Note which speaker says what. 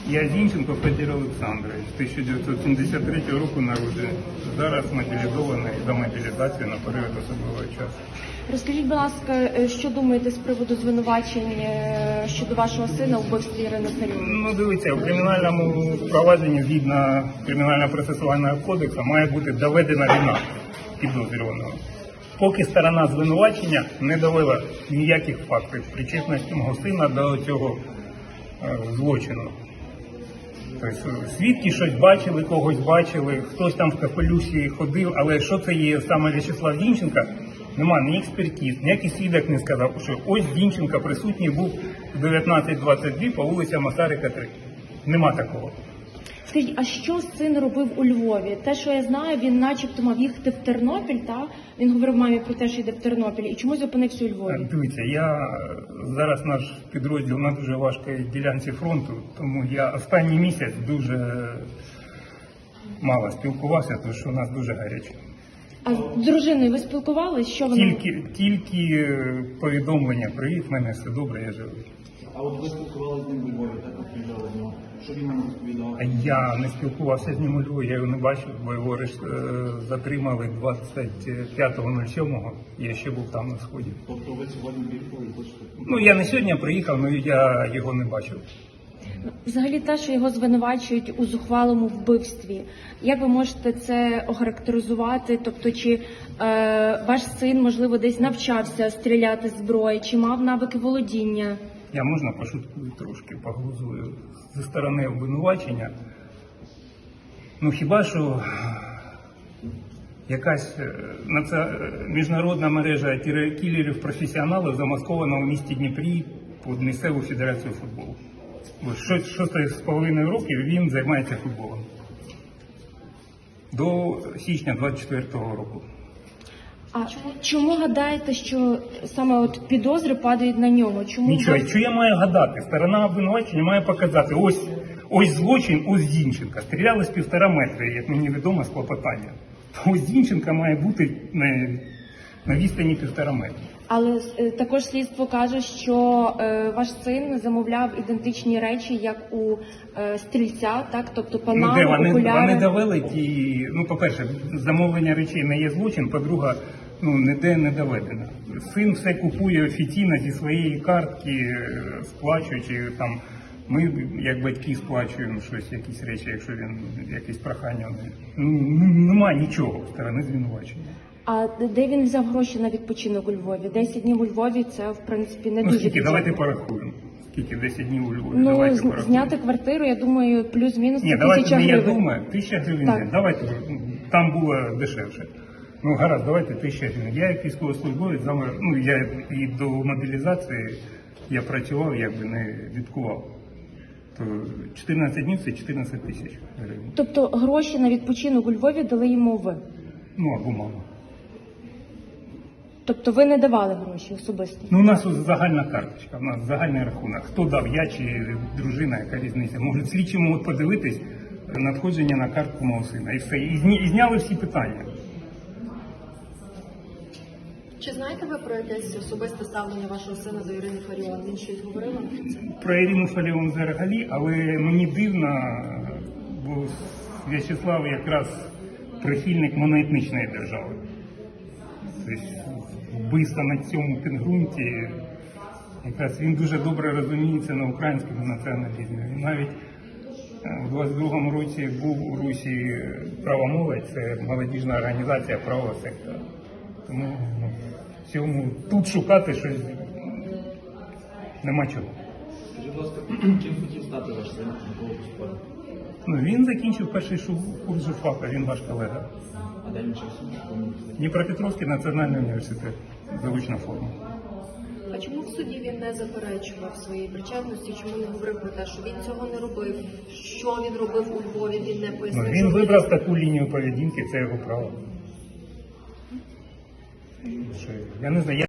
Speaker 1: Я Зінченко Федір Олександрович, 1973 року народжений. Зараз мобілізований за мобілізацію на період особливого часу.
Speaker 2: Розкажіть, будь ласка, що думаєте з приводу звинувачень щодо вашого сина у вбивстві Ірини Фаріон?
Speaker 1: Ну, дивіться, в кримінальному провадженні згідно Кримінально-процесуального кодексу має бути доведена вина підозрюваного. Поки сторона звинувачення не довела ніяких фактів причетності мого сина до цього злочину. Тобто свідки щось бачили, когось бачили, хтось там в капелюсі ходив, але що це є саме В'ячеслав Зінченко, нема ні експертиз, ніякий свідок не сказав, що ось Зінченко присутній був в 19:22 по вулиці Масарика, 3. Нема такого.
Speaker 2: Скажіть, а що син робив у Львові? Те, що я знаю, він начебто мав їхати в Тернопіль, та? Він говорив мамі про те, що йде в Тернопіль. І чому зупинився у Львові?
Speaker 1: Дивіться, зараз наш підрозділ на дуже важкій ділянці фронту, тому я останній місяць дуже мало спілкувався, тому що у нас дуже гаряче.
Speaker 2: А з дружиною ви спілкувалися? Що вона?
Speaker 1: Тільки повідомлення, привіт, в мене все добре, я живий.
Speaker 3: А от ви спілкувалися з ним у Львові, так приїжджали з нього? Що він нам розповідав?
Speaker 1: Я не спілкувався з ним у Львові, я його не бачив, бо його затримали 25.07, я ще був там на сході.
Speaker 3: Тобто ви сьогодні приїхали і хочете?
Speaker 1: Ну, я не сьогодні приїхав, але я його не бачив.
Speaker 2: Взагалі те, що його звинувачують у зухвалому вбивстві. Як ви можете це охарактеризувати? Тобто, чи ваш син, можливо, десь навчався стріляти з зброї, чи мав навики володіння?
Speaker 1: Я можна пошуткую трошки, поглузую зі сторони обвинувачення. Ну хіба що якась міжнародна мережа кілерів-професіоналів замаскована у місті Дніпрі під місцеву федерацію футболу. 6,5 років він займається футболом. До січня 24-го року.
Speaker 2: А чому гадаєте, що саме от підозри падають на нього? Чому?
Speaker 1: Нічого, що я маю гадати? Сторона обвинувачення має показати, ось злочин, ось Зінченка. Стріляли з 1,5 метра, як мені відомо, з клопотання. Ось Зінченка має бути на відстані 1,5 метра.
Speaker 2: Але також слідство каже, що ваш син замовляв ідентичні речі, як у стрільця, так? Тобто панаму, окуляри.
Speaker 1: Вони довели ті, по-перше, замовлення речей не є злочин, по-друге, ніде не доведено. Син все купує офіційно зі своєї картки, сплачуючи там. Ми, як батьки, сплачуємо щось, якісь речі, якщо він якісь прохання. Нема нічого в сторони звинувачення.
Speaker 2: А де він взяв гроші на відпочинок у Львові? 10 днів у Львові – це, в принципі, не дуже
Speaker 1: скільки?
Speaker 2: бюджетно.
Speaker 1: Давайте порахуємо. Скільки 10 днів у Львові? Давайте порахуємо.
Speaker 2: Зняти квартиру, я думаю, плюс-мінус 1000
Speaker 1: давайте,
Speaker 2: гривень.
Speaker 1: я думаю, 1000 гривень.
Speaker 2: Так.
Speaker 1: Давайте, там було дешевше. Гаразд, давайте 1000 гривень. Я як військовослужбовець, я і до мобілізації я працював, якби не відкував. То 14 днів – це 14 тисяч гривень.
Speaker 2: Тобто гроші на відпочинок у Львові дали йому ви?
Speaker 1: Або мама.
Speaker 2: Тобто ви не давали гроші особисто?
Speaker 1: У нас загальна карточка, у нас загальний рахунок. Хто дав, я чи дружина, яка різниця. Можуть слідчі можуть подивитись надходження на картку мого сина. І все. І зняли всі питання.
Speaker 4: Чи знаєте ви про якесь особисте ставлення вашого сина до Ірини Фаріон? Він щось говорив вам про це?
Speaker 1: Про Ірину Фаріон взагалі, але мені дивно, бо В'ячеслав якраз прихильник моноетнічної держави. Тобто вбивство на цьому підґрунті, якраз він дуже добре розуміється на українському націоналізмі. Він навіть у 22-му році був у Русі «Права молодь», це молодіжна організація правого сектора. Тому в цьому тут шукати щось нема чого.
Speaker 3: Скажіть, будь ласка, ким хотів стати ваш син, на кого поступати?
Speaker 1: Він закінчив перший курс журфака, він ваш колега.
Speaker 3: А де він вчився?
Speaker 1: Дніпропетровський національний університет, заочна форма.
Speaker 4: А чому в суді він не заперечував своєї причетності? Чому не говорив про те, що він цього не робив? Що він робив у Львові? Він не пояснив.
Speaker 1: Він вибрав таку лінію поведінки, це його право. Я не знаю,